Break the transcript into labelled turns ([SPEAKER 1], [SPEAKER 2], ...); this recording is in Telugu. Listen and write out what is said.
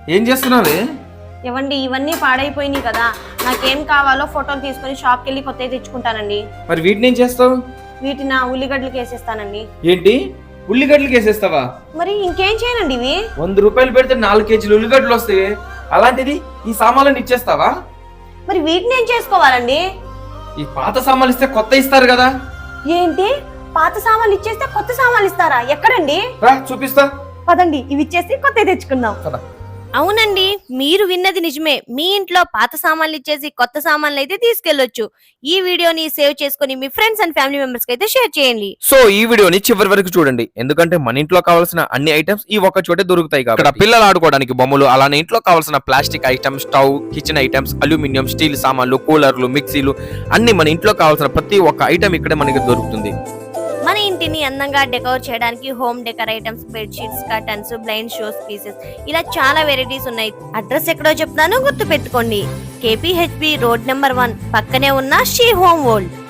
[SPEAKER 1] ఏం చేస్తున్నావే?
[SPEAKER 2] ఇవ్వండి, ఇవన్నీ పాడైపోయినాయి కదా, నాకేం కావాలో ఫోటోలు తీసుకొని షాప్కి వెళ్ళి కొత్తవి తెచ్చుకుంటానండి.
[SPEAKER 1] మరి వీటిని ఏం చేస్తావు?
[SPEAKER 2] వీటిని ఉల్లిగడ్డలకి వేసేస్తానండి.
[SPEAKER 1] ఏంటి, ఉల్లిగడ్డలకి వేసేస్తావా?
[SPEAKER 2] మరి ఇంకేం చేయనండి ఇవి.
[SPEAKER 1] 100 రూపాయలు పెడితే 4 కేజీలు ఉల్లిగడ్డలు వస్తాయి, అలాంటిది ఈ సామాన్లను ఇచ్చేస్తావా?
[SPEAKER 2] మరి వీటిని ఏం చేసుకోవాలండి?
[SPEAKER 1] ఈ పాత సామాన్లు ఇస్తే కొత్త ఇస్తారు కదా.
[SPEAKER 2] ఏంటి, పాత సామాన్లు ఇచ్చేస్తే కొత్త సామాన్లు ఇస్తారా? ఎక్కడండి?
[SPEAKER 1] రా చూపిస్తా.
[SPEAKER 2] పదండి, ఇవి ఇచ్చేసి కొత్తవి తెచ్చుకుందాం.
[SPEAKER 1] కదా.
[SPEAKER 3] అవునండి, మీరు విన్నది నిజమే. మీ ఇంట్లో పాత సామాన్లు ఇచ్చేసి కొత్త సామాన్లు అయితే తీసుకెళ్లొచ్చు. ఈ వీడియోని సేవ్ చేసుకుని మీ ఫ్రెండ్స్ అండ్ ఫ్యామిలీ మెంబర్స్ కి అయితే షేర్ చేయండి.
[SPEAKER 4] సో ఈ వీడియోని చివరి వరకు చూడండి, ఎందుకంటే మన ఇంట్లో కావాల్సిన అన్ని ఐటమ్స్ ఈ ఒక్క చోటే దొరుకుతాయి కాబట్టి. ఇక్కడ పిల్లలు ఆడుకోవడానికి బొమ్మలు, అలానే ఇంట్లో కావాల్సిన plastic items, stove, kitchen items, aluminium, steel సామాన్లు, కూలర్లు, మిక్సీలు అన్ని మన ఇంట్లో కావాల్సిన ప్రతి ఒక్క ఐటమ్ ఇక్కడే మనకి దొరుకుతుంది.
[SPEAKER 3] మన ఇంటిని అందంగా డెకోర్ చేయడానికి home decor items, bedsheets, curtains, blind shows pieces, ఇలా చాలా వెరైటీస్ ఉన్నాయి. అడ్రస్ ఎక్కడో చెప్తాను, గుర్తు పెట్టుకోండి. KPHB రోడ్ నెంబర్ 1 పక్కనే ఉన్న షీ హోమ్ వరల్డ్.